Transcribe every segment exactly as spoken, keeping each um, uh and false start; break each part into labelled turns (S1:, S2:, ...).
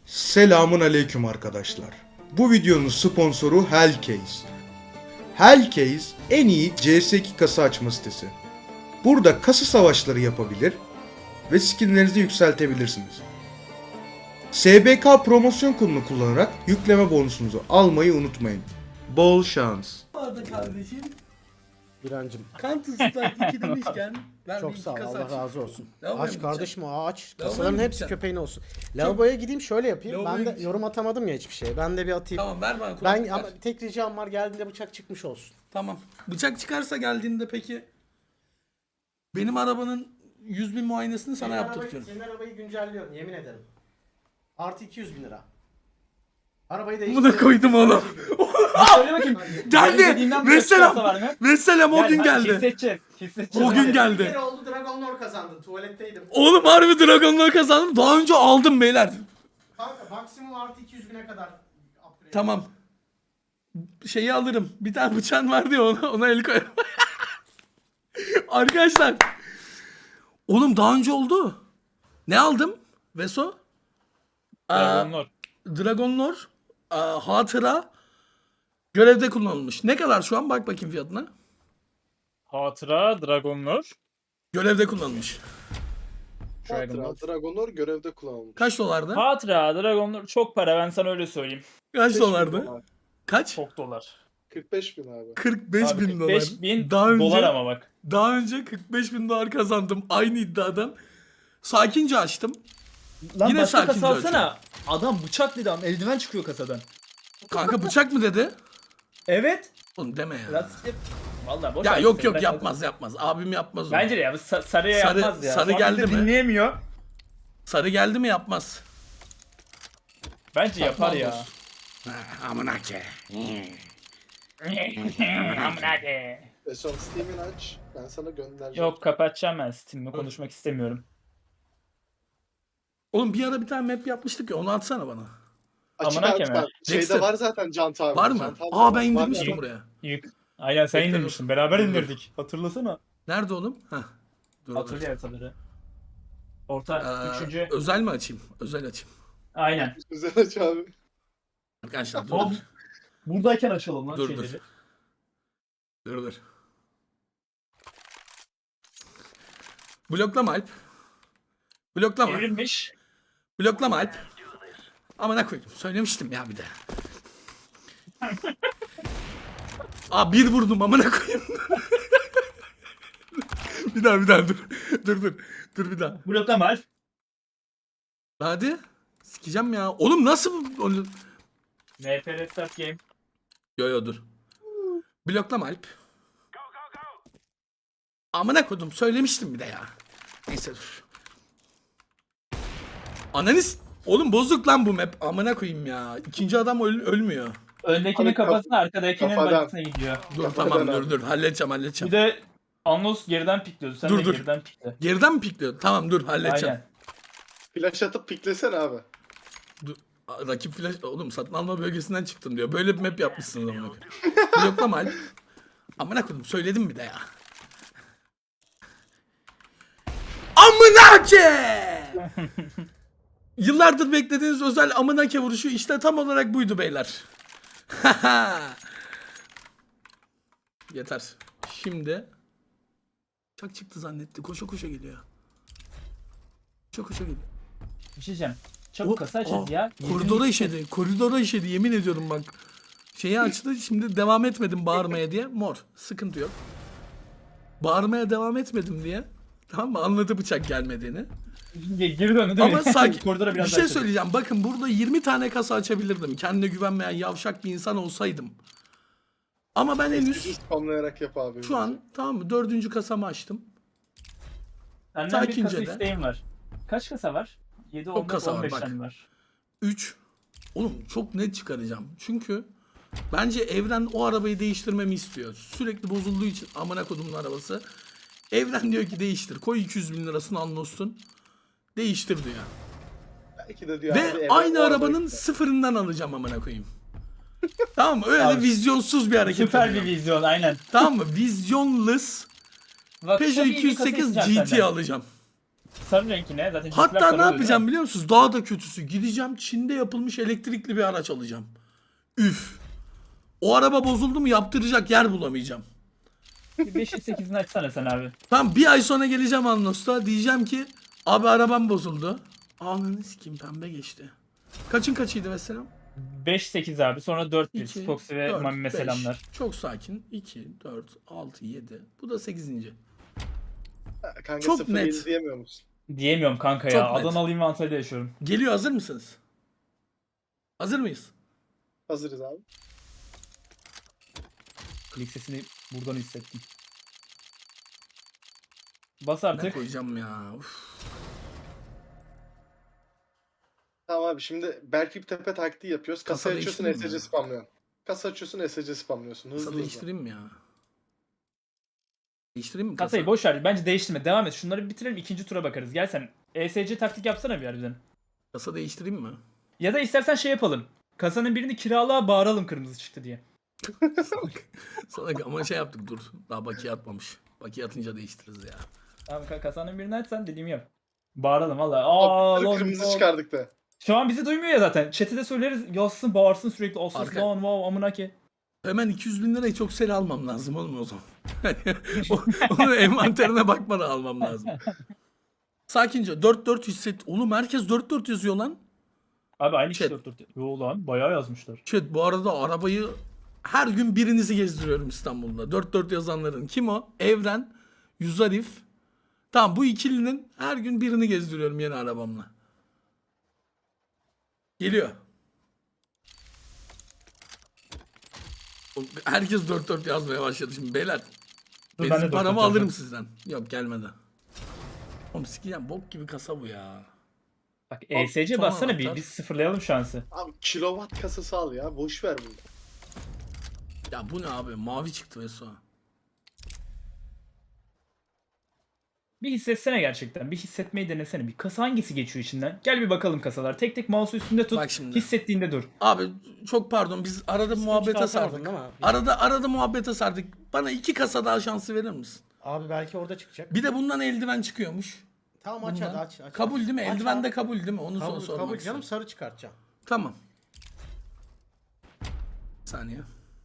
S1: Selamun aleyküm arkadaşlar. Bu videonun sponsoru Hellcase. Hellcase en iyi C S iki kasa açma sitesi. Burada kasa savaşları yapabilir ve skinlerinizi yükseltebilirsiniz. S B K promosyon kodunu kullanarak yükleme bonusunuzu almayı unutmayın. Bol şans.
S2: Vardı kardeşim.
S3: Birancım
S2: Counter Strike iki demişken ben
S3: çok
S2: bir
S3: sağ ol,
S2: kasa
S3: Allah
S2: açayım.
S3: razı olsun.
S2: Lavaboya
S3: Aç
S2: mı
S3: kardeşim o aç.
S2: Lavaboya
S3: Kasaların
S2: mı
S3: hepsi
S2: gideceksin?
S3: köpeğin olsun. Lavaboya gideyim şöyle yapayım.
S2: Lavaboya
S3: Ben de
S2: gideceğim.
S3: yorum atamadım ya hiçbir şeye. Ben de bir atayım.
S2: Tamam ver bana kulaklık
S3: Ben
S2: ver.
S3: ama tek ricam var, geldiğinde bıçak çıkmış olsun.
S2: Tamam. Bıçak çıkarsa geldiğinde peki benim arabanın yüz bin muayenesini sana
S3: Senin arabayı-
S2: yaptırtıyorum.
S3: Senin arabayı güncelliyorum yemin ederim. Artı iki yüz bin lira. Arabayı
S2: Buna
S3: değiştirdim.
S2: koydum oğlum.
S4: Söyle bakayım.
S2: Geldi.
S4: Dediğimden bir
S2: Vesselam.
S4: çıkarsa var mı?
S2: Vesselam o
S4: Gel,
S2: gün
S4: hadi
S2: geldi.
S4: Hissedeceğiz. Hissedeceğiz.
S2: O gün
S4: hadi.
S2: geldi.
S3: Bir kere oldu Dragon Lore kazandın. Tuvaletteydim.
S2: Oğlum harbi Dragon'ları kazandım. Daha önce aldım beyler.
S3: Kanka maksimum artı iki yüz bine kadar upgrade.
S2: Tamam. Şeyi alırım. Bir tane bıçağın vardı ya ona, ona el koyarım. Arkadaşlar. Oğlum daha önce oldu. Ne aldım? Veso?
S4: Dragon Lord.
S2: Dragon Lore. Aa, hatıra. Görevde kullanılmış. Ne kadar şu an? Bak bakayım fiyatına.
S4: Hatıra Dragon Lord.
S2: Görevde kullanılmış.
S4: Dragon Lord.
S5: Hatıra Dragonor görevde kullanılmış.
S2: Kaç dolardı?
S4: Hatıra Dragon Lord çok para, ben sana öyle söyleyeyim.
S2: Kaç dolardı? Kaç?
S4: Çok dolar.
S5: kırk beş bin abi.
S2: kırk beş
S4: Abi
S2: bin dolar.
S4: kırk beş bin
S2: Daha önce,
S4: dolar ama bak.
S2: Daha önce kırk beş bin dolar kazandım. Aynı iddiadan. Sakince açtım.
S6: Lan
S2: Yine
S6: başka
S2: sakince
S6: kasa alsana. Adam bıçak dedi ama eldiven çıkıyor kasadan.
S2: Kanka bıçak mı dedi?
S6: Evet.
S2: Oğlum deme ya.
S6: Lan siktir. Vallahi boş
S2: Ya
S6: ver
S2: yok
S6: seni,
S2: yok
S6: ben-
S2: yapmaz yapmaz. Abim yapmaz onu.
S4: Bence de ya bu sa- sarıya
S2: Sarı-
S4: yapmaz ya.
S2: sarı
S4: Sonra
S2: geldi
S4: bizi
S2: mi?
S4: Dinleyemiyor.
S2: Sarı geldi mi yapmaz.
S4: Bence yapar ya.
S2: Ha, amına ke.
S4: Amına ke.
S5: E son Steam'ini aç. Ben sana göndereceğim.
S4: Yok, kapatacağım ben Steam'le, konuşmak istemiyorum.
S2: Oğlum bir ara bir tane map yapmıştık ya, onu atsana bana.
S5: Açık
S4: Amına
S5: abi
S4: keme.
S5: sen- Şeyde
S2: Dexter.
S5: var zaten Cant abi.
S2: Var mı?
S5: Cant abi
S2: Aa
S5: var.
S2: ben
S5: Var
S2: indirmiştim
S5: ya.
S2: buraya.
S4: Yük. Aynen sen
S2: Bekle,
S4: indirmiştin. Beraber indirdik. Hatırlasana.
S2: Nerede oğlum? Heh. Dur, dur.
S4: Hatırlıyor haritaları. Orta,
S2: Ee,
S4: üçüncü.
S2: özel mi açayım? Özel açayım.
S4: Aynen.
S5: Güzel aç abi.
S2: Arkadaşlar dur.
S4: Hop.
S2: Dur
S4: Buradayken açalım lan
S2: Dur,
S4: şeyleri.
S2: dur. dur. dur. Bloklama Alp. Bloklama.
S4: Evrilmiş.
S2: Bloklama Alp. Amına koydum. Söylemiştim ya bir de. Aa bir vurdum amına koyayım. bir daha bir daha dur. Dur dur. Dur bir daha.
S4: Bloklama Alp.
S2: Hadi. Sikeceğim ya. Oğlum nasıl bu? Oğlum-
S4: N P R Start Game.
S2: Yo yo dur. Bloklama Alp. Amına koydum. Söylemiştim bir de ya. Neyse dur. Ananis. Oğlum bozuk lan bu map. Amına koyayım ya. İkinci adam öl- ölmüyor.
S4: Öndekinin
S5: Abi kaf-
S4: kafasına, arkadakinin
S5: kafadan.
S4: bacısına gidiyor.
S2: Dur
S5: Kafadan
S2: tamam
S5: abi.
S2: dur dur. Halledeceğim
S4: Bir
S2: halledeceğim.
S4: de Anlos geriden pikliyordu. Sen
S2: Dur,
S4: de
S2: dur.
S4: geriden pikle.
S2: Geriden mi pikliyor? Tamam dur halledeceğim.
S4: Aynen.
S5: Flash atıp piklesene abi.
S2: Dur. Aa, Rakip flash... Oğlum satın alma bölgesinden çıktım diyor. Böyle bir map yapmışsınız amına koyayım. Bloklama Alp. Amına koydum. Söyledim bir de ya. Amına ke! Yıllardır beklediğiniz özel amına ke vuruşu işte tam olarak buydu beyler. Yeter. Şimdi çak çıktı zannetti. Koşa koşa geliyor. Koşa koşa geliyor.
S4: Bir şey diyeceğim. Çabuk
S2: O-
S4: kasa açın
S2: aa,
S4: ya.
S2: Koridora işedi. Koridora işedi. Yemin ediyorum bak. Şeyi açtı. Şimdi devam etmedim bağırmaya diye. Mor. Sıkıntı yok. Bağırmaya devam etmedim diye. Tamam mı? Anladı bıçak gelmediğini.
S4: Geri döndü değil mi?
S2: Ama sakin.
S4: Koridora
S2: Bir
S4: biraz
S2: şey
S4: daha açalım.
S2: söyleyeceğim. Bakın burada yirmi tane kasa açabilirdim. Kendine güvenmeyen yavşak bir insan olsaydım. Ama ben henüz
S5: Hiç spamlayarak yap abi.
S2: şu an tamam mı? Dördüncü kasamı açtım.
S4: Senden bir
S2: sakince
S4: kasa
S2: de.
S4: isteğim var. Kaç kasa var? yedi, on,
S2: kasa var,
S4: on beş
S2: bak.
S4: tane var.
S2: üç. Oğlum çok net çıkaracağım. Çünkü bence evren o arabayı değiştirmemi istiyor. Sürekli bozulduğu için amına kodumun arabası. Evren diyor ki değiştir. Koy iki yüz bin lirasını anlossun. Değiştir diyor.
S5: Belki de diyor abi,
S2: Ve
S5: eve
S2: aynı
S5: o
S2: arabanın
S5: arabayı-
S2: sıfırından alacağım amına koyayım. Tamam mı? Öyle
S4: Abi,
S2: de vizyonsuz bir hareket
S4: Süper bir
S2: yapacağım.
S4: vizyon aynen.
S2: Tamam mı? Vizyonless
S4: Bak,
S2: Peugeot
S4: çok iyi bir
S2: iki yüz sekiz
S4: kasa
S2: G
S4: isteyeceğim
S2: T
S4: senden.
S2: alacağım.
S4: Sarı renkine zaten cinsler
S2: Hatta
S4: sarı
S2: ne
S4: oluyor,
S2: yapacağım
S4: değil mi?
S2: biliyor musunuz? Daha da kötüsü. Gideceğim Çin'de yapılmış elektrikli bir araç alacağım. Üf. O araba bozuldu mu yaptıracak yer bulamayacağım.
S4: Bir beşin sekizini açsana sen abi.
S2: Tamam bir ay sonra geleceğim Anlos'ta. Diyeceğim ki abi arabam bozuldu. Ananı sikeyim pembe geçti. Kaçın kaçıydı mesela?
S4: beş sekiz abi. Sonra dört bir.
S2: iki,
S4: Spoxy ve
S2: dört,
S4: Mami'me
S2: beş.
S4: selamlar.
S2: Çok sakin. iki, dört, altı, yedi. Bu da sekizinci.
S5: Ha, Kanka
S2: Çok
S5: sıfır
S2: net.
S5: yedi diyemiyor musun?
S4: Diyemiyorum kanka
S2: Çok
S4: ya.
S2: net.
S4: Adanalıyım ve Antalya'da yaşıyorum.
S2: Geliyor hazır mısınız? Hazır mıyız?
S5: Hazırız abi.
S4: Klik sesini buradan hissettim. Bas
S2: Ne
S4: artık.
S2: koyacağım ya? Uf.
S5: Tamam abi şimdi belki bir tepe taktiği yapıyoruz.
S2: Kasa
S5: Kasa açıyorsun
S2: değiştireyim mi
S5: S C
S2: ya?
S5: spamlıyorsun. Kasa açıyorsun S C spamlıyorsun. Hızlı
S2: Kasa
S5: hızlı.
S2: değiştireyim mi ya? Değiştireyim mi
S4: Kasayı
S2: kasa?
S4: boş ver. Bence değiştirme. Devam et. Şunları bir bitirelim. İkinci tura bakarız. Gel sen. E S C taktik yapsana bir harbiden.
S2: Kasa değiştireyim mi?
S4: Ya da istersen şey yapalım. Kasanın birini kiralığa bağıralım kırmızı çıktı diye.
S2: Sana ama şey yaptık dur. Daha bakiye atmamış. Bakiye atınca değiştiririz ya.
S4: Tamam ka- kasanın birini açsan dediğimi yap. Bağıralım valla. Aa
S5: Abi,
S4: lan,
S5: kırmızı
S4: lan.
S5: çıkardık da.
S4: Şu an bizi duymuyor ya zaten. Chat'e de söyleriz. Yazsın bağırsın sürekli. Asıl
S2: Arka-
S4: lan wow amına ki.
S2: Hemen iki yüz bin lirayı çok seri almam lazım oğlum o zaman. O- Onu envanterine bakmadan almam lazım. Sakince dört dört hisset. Oğlum herkes dört dört yazıyor lan.
S4: Abi aynı kişi
S2: Chat.
S4: dört dört. Yo lan bayağı yazmışlar.
S2: Chat bu arada arabayı her gün birinizi gezdiriyorum İstanbul'da. dört dört yazanların. Kim o? Evren, Yüzarif. Tamam bu ikilinin her gün birini gezdiriyorum yeni arabamla. Geliyor. Oğlum, herkes dört dört yazmaya başladı şimdi beyler.
S4: Dur, ben de
S2: Benzin
S4: dört
S2: paramı
S4: dört
S2: alırım
S4: yazdım.
S2: sizden. Yok gelmedi. Oğlum sikeceğim bok gibi kasa bu ya.
S4: Bak E S C
S2: son
S4: bassana bir.
S2: anahtar.
S4: Biz sıfırlayalım şansı.
S5: Abi kilowatt kasası al ya. Boş ver bunu.
S2: Ya bu ne abi mavi çıktı Veso.
S4: Bir hissetsene gerçekten. Bir hissetmeyi denesene. Bir kasa hangisi geçiyor içinden? Gel bir bakalım kasalar. Tek tek mouse'u üstünde tut.
S2: Bak şimdi.
S4: Hissettiğinde dur.
S2: Abi çok pardon biz arada muhabbete
S3: çıkartamadın
S2: sardık.
S3: değil mi?
S2: Arada arada muhabbete sardık. Bana iki kasa daha şansı verir misin?
S3: Abi belki orada çıkacak.
S2: Bir de bundan eldiven çıkıyormuş.
S3: Tamam aç
S2: Bundan.
S3: hadi aç. aç
S2: Kabul değil mi?
S3: Aç
S2: Eldiven
S3: abi.
S2: de kabul değil mi? Onu
S3: Kabul,
S2: sormak
S3: kabul
S2: istiyorum.
S3: canım sarı çıkartacağım.
S2: Tamam. Bir saniye.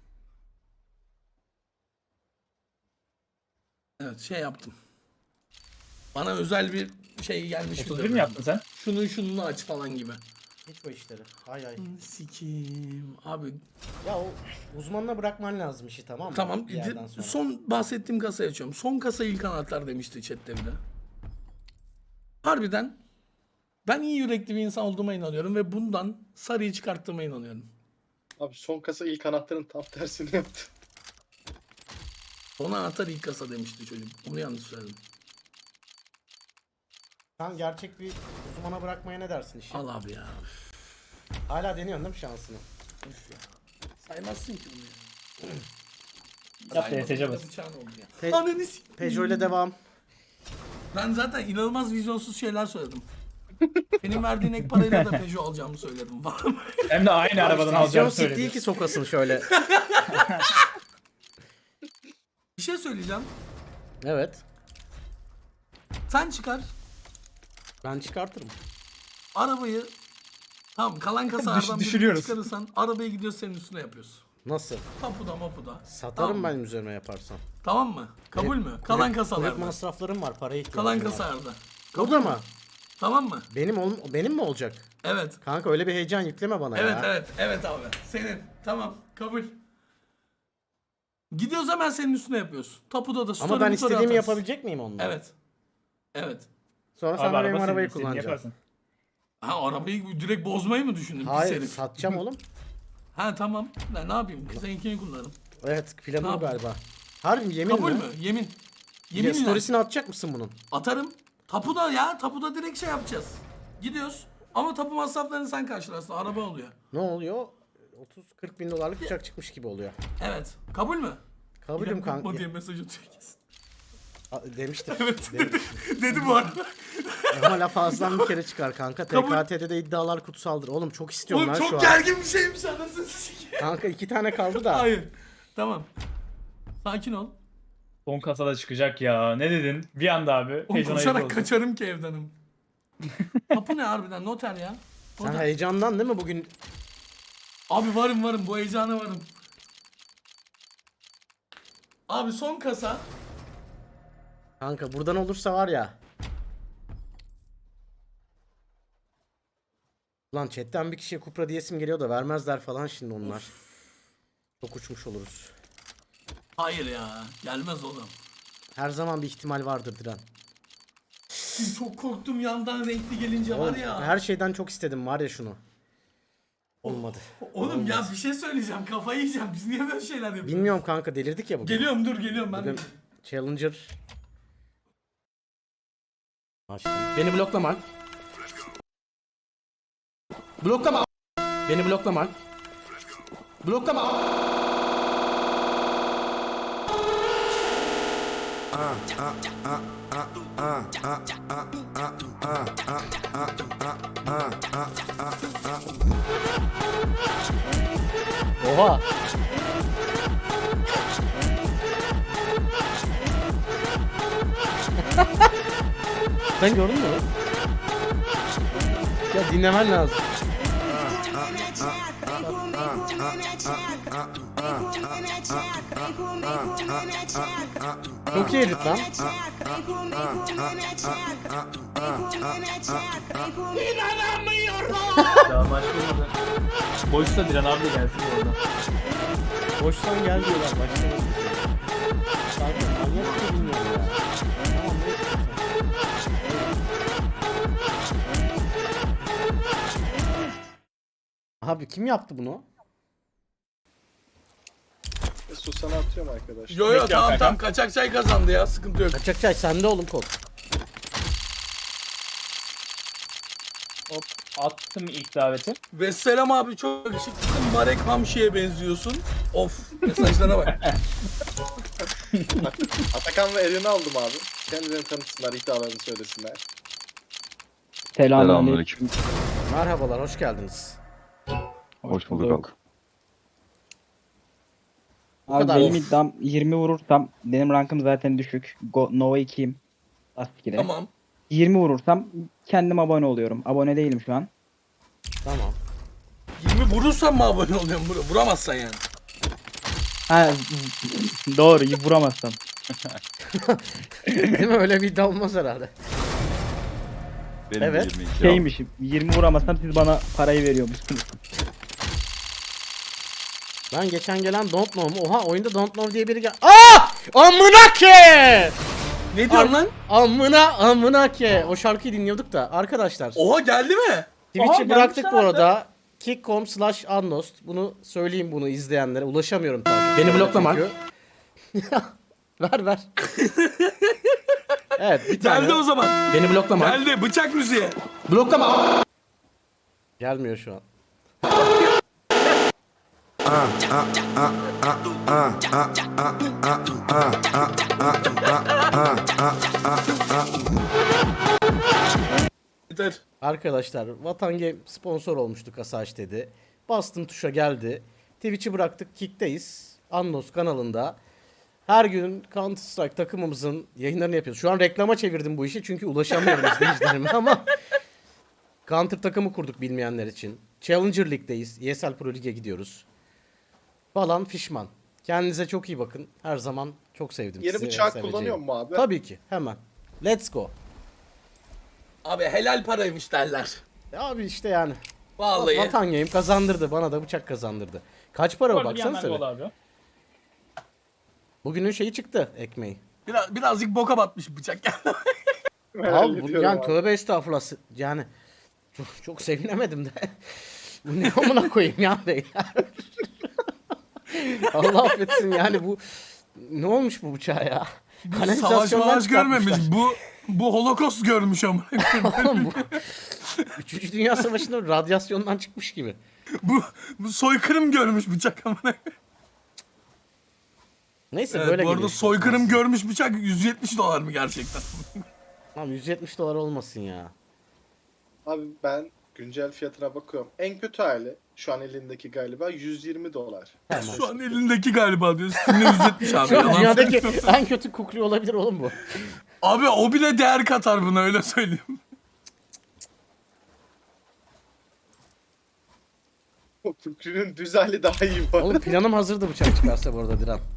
S2: Evet şey yaptım. Bana özel bir şey gelmiş.
S4: otuz bir
S2: bildirim.
S4: mi yaptın sen?
S2: Şunu şununu aç falan gibi.
S3: Hiç o işleri. Ay ay.
S2: Sikim. Abi
S3: Ya o uzmanına bırakman lazım işi tamam mı?
S2: tamam.
S3: Bir yerden sonra.
S2: Son bahsettiğim kasayı açıyorum. Son kasa ilk anahtar demişti chatte bir de. Harbiden ben iyi yürekli bir insan olduğuma inanıyorum ve bundan sarıyı çıkarttığıma inanıyorum.
S5: Abi son kasa ilk anahtarın tam tersini yaptı.
S2: Son anahtar ilk kasa demişti çocuk. Onu yanlış söyledim.
S3: Sen gerçek bir uzmana bırakmaya ne dersin işi?
S2: Al abi ya.
S3: Hala deniyorsun değil mi şansını?
S2: Üf ya. Saymazsın ki bunu ya.
S4: Yap da E S C bas.
S2: Bıçağın oldu ya.
S3: Pe-
S2: Ananı s-
S3: Peugeot ile devam.
S2: Ben zaten inanılmaz vizyonsuz şeyler söyledim. Senin verdiğin ek parayla da Peugeot alacağımı söyledim falan.
S4: Hem de aynı arabadan
S3: Vizyon
S4: alacağını
S3: sik değil
S4: söyledi.
S3: ki sokasın şöyle.
S2: Bir şey söyleyeceğim.
S3: Evet.
S2: Sen çıkar.
S3: Ben çıkartırım.
S2: Arabayı tamam kalan kasalardan birini
S4: düşürüyoruz.
S2: çıkarırsan arabayı gidiyoruz senin üstüne yapıyoruz.
S3: Nasıl?
S2: Tapuda mapuda.
S3: Satarım
S2: Tamam.
S3: benim üzerine yaparsan.
S2: Tamam mı? Kabul
S3: Kulüp-
S2: mü? Kalan
S3: kulüp-
S2: kasalarda.
S3: Kulüp masraflarım var, paraya ihtiyacım
S2: Kalan
S3: var.
S2: kasalarda.
S3: Burada mı?
S2: Tamam mı?
S3: Benim ol benim mi olacak?
S2: Evet.
S3: Kanka öyle bir heyecan yükleme bana
S2: Evet
S3: ya.
S2: evet. Evet abi. Senin. Tamam. Kabul. Gidiyoruz hemen senin üstüne yapıyoruz. Tapuda da story
S3: Ama ben
S2: motoru
S3: istediğimi
S2: atarız.
S3: yapabilecek miyim onunla?
S2: Evet. Evet.
S3: Sonra sen
S4: Abi
S3: de benim
S4: araba senin,
S3: arabayı
S4: istediğini
S3: kullanacaksın.
S4: yaparsın.
S2: Ha arabayı direkt bozmayı mı düşündün? Pis
S3: Hayır
S2: herif.
S3: satacağım oğlum.
S2: Ha tamam. Ben ne yapayım? Seninkini kullanırım.
S3: Evet planım
S2: Ne
S3: bu
S2: yapayım?
S3: galiba. Harbi yemin
S2: Kabul
S3: mi?
S2: mü? Yemin.
S3: Ya,
S2: Yeminle.
S3: storiesini atacak mısın bunun?
S2: Atarım. Tapuda ya. Tapuda direkt şey yapacağız. Gidiyoruz. Ama tapu masraflarını sen karşılarsın. Araba oluyor.
S3: Ne oluyor? otuz kırk bin dolarlık uçak çıkmış gibi oluyor.
S2: Evet. Kabul mü?
S3: Kabulüm
S2: İrem
S3: kanka.
S2: Korkma diye mesaj atıyor kesin.
S3: A- Demiştim.
S2: Evet.
S3: Demiştim.
S2: Dedi bu arada.
S3: Ama laf ağızdan bir kere çıkar kanka.
S2: Kabul.
S3: T K T'de de iddialar kutsaldır. Oğlum çok istiyorum
S2: Oğlum
S3: lan şu
S2: çok
S3: an.
S2: gergin bir şeymiş anasını sikeyim.
S3: Kanka iki tane kaldı da.
S2: Hayır. Tamam. Sakin ol.
S4: Son kasada çıkacak ya. Ne dedin? Bir anda abi.
S2: Oğlum
S4: Heyecan ayıp
S2: koşarak
S4: oldu.
S2: kaçarım ki evdenim. Kapı ne harbiden noter ya.
S3: Sen
S2: Noter.
S3: heyecandan değil mi bugün?
S2: Abi varım varım bu heyecana varım. Abi son kasa.
S3: Kanka buradan olursa var ya. Lan chatten bir kişiye Kupra diyesim geliyor da vermezler falan şimdi onlar. Çok uçmuş oluruz.
S2: Hayır ya gelmez oğlum.
S3: Her zaman bir ihtimal vardır Diren.
S2: Çok korktum yandan renkli gelince var
S3: Oğlum,
S2: ya.
S3: her şeyden çok istedim var ya şunu. Olmadı.
S2: Oğlum ya bir şey söyleyeceğim kafayı yiyeceğim. Biz niye böyle şeyler yapıyoruz?
S3: Bilmiyorum kanka delirdik ya bugün.
S2: Geliyorum dur geliyorum ben. de.
S3: Bugün Challenger. Açtım. Beni bloklama. Bloklama. Beni bloklama. Bloklama. Oha. Sen gördün mü? Ya dinlemen lazım. Çok iyi edit lan.
S4: Daha başlamadı. Boşsa Diren abi de gelsin bu arada.
S3: Boştan gel diyorlar başlamadı. Kanka manyak bir bilmiyorum ya. Tamam ne Abi kim yaptı bunu?
S5: Mesut sana atıyorum arkadaşlar.
S2: Yo yo
S4: Bekliyorum
S2: tamam
S4: kankam.
S2: tamam kaçak çay kazandı ya sıkıntı yok.
S3: Kaçak çay sende oğlum kod.
S4: Hop attım ilk daveti.
S2: Vesselam abi çok yakışıklısın. Marek Hamşi'ye benziyorsun. Of mesajlara bak.
S5: Atakan ve Eren'i aldım abi. Kendilerini tanıtsınlar, iddialarını söylesinler.
S7: Selamünaleyküm.
S3: Merhabalar hoş geldiniz.
S7: Hoş bulduk abi.
S3: kadar.
S7: Abi benim
S3: Of.
S7: iddiam yirmi vurursam benim rankım zaten düşük. Go, Nova ikiyim. Lastik'e.
S2: Tamam.
S7: yirmi vurursam kendim abone oluyorum. Abone değilim şu an.
S3: Tamam.
S2: yirmi vurursan mı abone oluyorsun? Vur- Vuramazsan yani.
S7: Ha doğru vuramazsam.
S3: Değil mi öyle bir iddia olmaz herhalde.
S8: Benim
S3: Evet.
S8: de yirmi iki abi.
S7: Şeymiş yirmi vuramazsam siz bana parayı veriyormuşsunuz.
S3: Ben geçen gelen Don't Know mu? Oha oyunda Don't Know diye biri gel. Aa! Amına ke!
S2: Ne diyorsun lan?
S3: Amına amına ke. O şarkıyı dinliyorduk da arkadaşlar.
S2: Oha geldi mi?
S3: Twitch'i
S4: Aha,
S3: bıraktık
S4: gelmişler
S3: bu arada. kick nokta com slash unlost. Bunu söyleyeyim bunu izleyenlere. Ulaşamıyorum tabii. Beni bloklama. ver ver. Evet bir tane.
S2: Geldi o zaman.
S3: Beni bloklama.
S2: Geldi bıçak müziği.
S3: Bloklama. Gelmiyor şu an.
S2: Yeter.
S3: Arkadaşlar Vatan Game sponsor olmuştu Kasaç dedi. Bastım tuşa geldi. Twitch'i bıraktık. Kick'teyiz. Annos kanalında. Her gün Counter Strike takımımızın yayınlarını yapıyoruz. Şu an reklama çevirdim bu işi çünkü ulaşamıyorum izleyicilerime ama Counter takımı kurduk bilmeyenler için. Challenger League'deyiz. E S L Pro Lig'e gidiyoruz. Falan fişman. Kendinize çok iyi bakın. Her zaman çok sevdim
S5: Yeni
S3: sizi. ve
S5: bıçak
S3: seveceğim.
S5: kullanıyor mu abi?
S3: Tabii ki. Hemen. Let's go.
S2: Abi helal paraymış derler.
S3: Ya abi işte yani.
S2: Vallahi.
S3: Vatan Game kazandırdı. Bana da bıçak kazandırdı. Kaç para o
S4: Orada bir
S3: baksana
S4: yandan
S3: sen.
S4: gol abi.
S3: Bugünün şeyi çıktı ekmeği.
S2: Biraz, birazcık boka batmış bıçak geldi.
S3: Abi bu, yani tövbe estağfurullah. Yani çok, çok sevinemedim de. Bu ne amına koyayım ya beyler. Allah affetsin yani bu ne olmuş bu bıçağa ya?
S2: Savaş
S3: Kanalizasyondan
S2: mavaş görmemiş.
S3: çıkartmışlar.
S2: Bu bu holokost görmüş ama.
S3: Oğlum bu Üçüncü Dünya Savaşı'nda radyasyondan çıkmış gibi.
S2: bu bu soykırım görmüş bıçak ama.
S3: Neyse
S2: Evet,
S3: böyle
S2: bu arada
S3: geliyor.
S2: soykırım görmüş bıçak yüz yetmiş dolar mı gerçekten?
S3: Tamam yüz yetmiş dolar olmasın ya.
S5: Abi ben güncel fiyatına bakıyorum. En kötü hali şu an elindeki galiba yüz yirmi dolar.
S3: Tamam.
S2: Şu an elindeki galiba diyor. Steam'de yüz yetmiş abi.
S3: Şu an
S2: Yalan
S3: dünyadaki
S2: söylüyorum.
S3: en kötü kukli olabilir oğlum bu.
S2: Abi o bile değer katar buna, öyle söyleyeyim.
S5: O Kükür'ün düz hali daha iyi bu arada.
S3: Oğlum planım hazırdı bıçak çıkarsa bu arada Diren.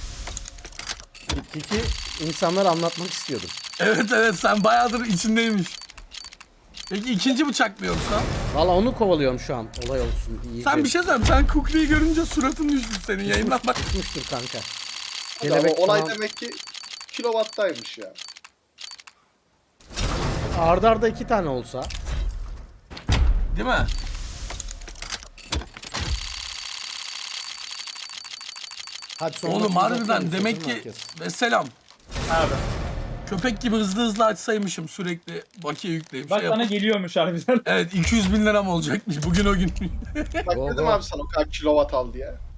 S3: Kiki insanlara anlatmak istiyordum.
S2: Evet evet, sen bayağıdır içindeymiş. Peki ikinci bıçak mı yoksa?
S3: Valla onu kovalıyorum şu an. Olay olsun. İyi.
S2: Sen bir şey söyleyeyim. Sen Kukli'yi görünce suratın düşmüş senin yayından bak.
S3: Tutmuştur kanka.
S5: Hadi ama
S3: Kelebek
S5: olay
S3: falan.
S5: demek ki kilowattaymış ya.
S3: Arda arda iki tane olsa.
S2: Değil mi?
S3: Hadi sonra
S2: Oğlum
S3: bakayım,
S2: harbiden
S3: bakayım,
S2: demek
S3: sorun
S2: ki
S3: herkes.
S2: ve selam.
S4: Abi.
S2: Köpek gibi hızlı hızlı açsaymışım, sürekli bakiye yükleyip
S4: Bak
S2: şey
S4: bana
S2: yapıp.
S4: geliyormuş harbiden.
S2: Evet iki yüz bin liram olacakmış bugün o gün.
S5: Bak
S3: Go,
S5: dedim
S3: go.
S5: abi sana o kadar kilowatt al diye.